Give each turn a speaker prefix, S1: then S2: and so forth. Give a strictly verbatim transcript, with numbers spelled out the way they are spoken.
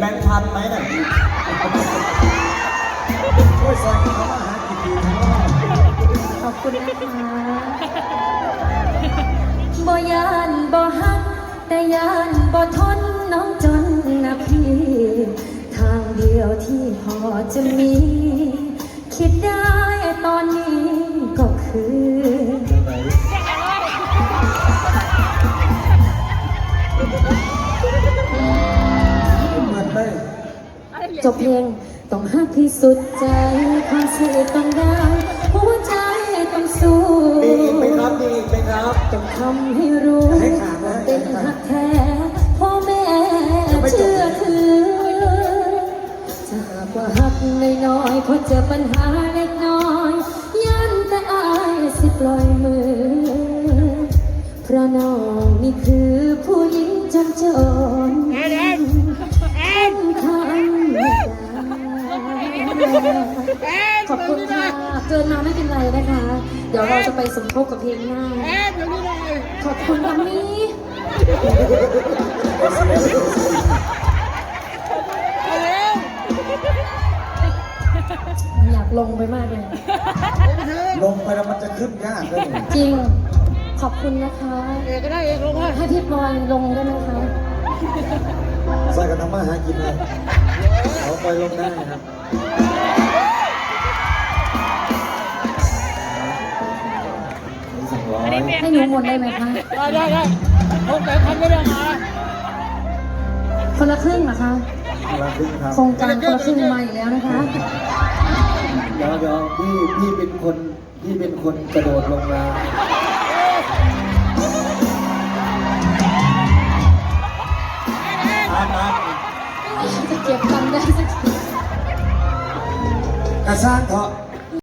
S1: งค์พันไหมเนี่ยช่วยซอยเขามาหากี่ทีทั้งรอบ
S2: ขอบคุณนะคะบ่ยานบ่ฮักแต่ยานบ่ทนน้องจนนะพี่ทางเดียวที่พอจะมี คิดได้ตอนนี้ก็คือจบเพลงต้องฮักที่สุดใจความสื่อต้องได้หัวใจต้องสู้
S1: ดีอีกไหมครับดีอีกไหมครับ
S2: ต้องทำให้รู้ว่าเป็นฮักแท้พ่อแม่เชื่อถือจะหากว่าฮักน้อยๆพอเจอปัญหาเล็กน้อยยันแต่อายสิปล่อยมือเพราะน้องนี่คือผู้หญิงจำจนแอนแอนแอนทำไม่ได้ขอบคุณค่ะเกินมาไม่เป็นไรนะคะ เดี๋ยวเราจะไปสมทบกับเพลงหน้าแอนเดี๋ยวนี้เลยขอบคุณค่ะมี่อยากลงไปมากเลย
S1: ลงไปแล้วมันจะขึ้นยากเลย
S2: จริงขอบคุณนะคะเอกก็ได้เอกลงให้พี่พลอยลงได้ไหมคะ
S1: ใส่กันทำมาหากินเลยเอาไปลงได้ครับ
S2: ให้หนูหมดได้ไหมคะ
S3: ได้ได้ได้หกแปดพันไม่ได้มา
S2: คนละครึ่งเหรอคะ
S1: คนละครึ่งครับ
S2: โครงการคนละครึ่งมาอีกแล้วนะคะ
S1: เดี๋ยวเดี๋ยวพี่พี่เป็นคนพี่เป็นคนกระโดดลงมา
S2: จะเก็บตังค์ได้สักที
S1: กระซ่างเถอะ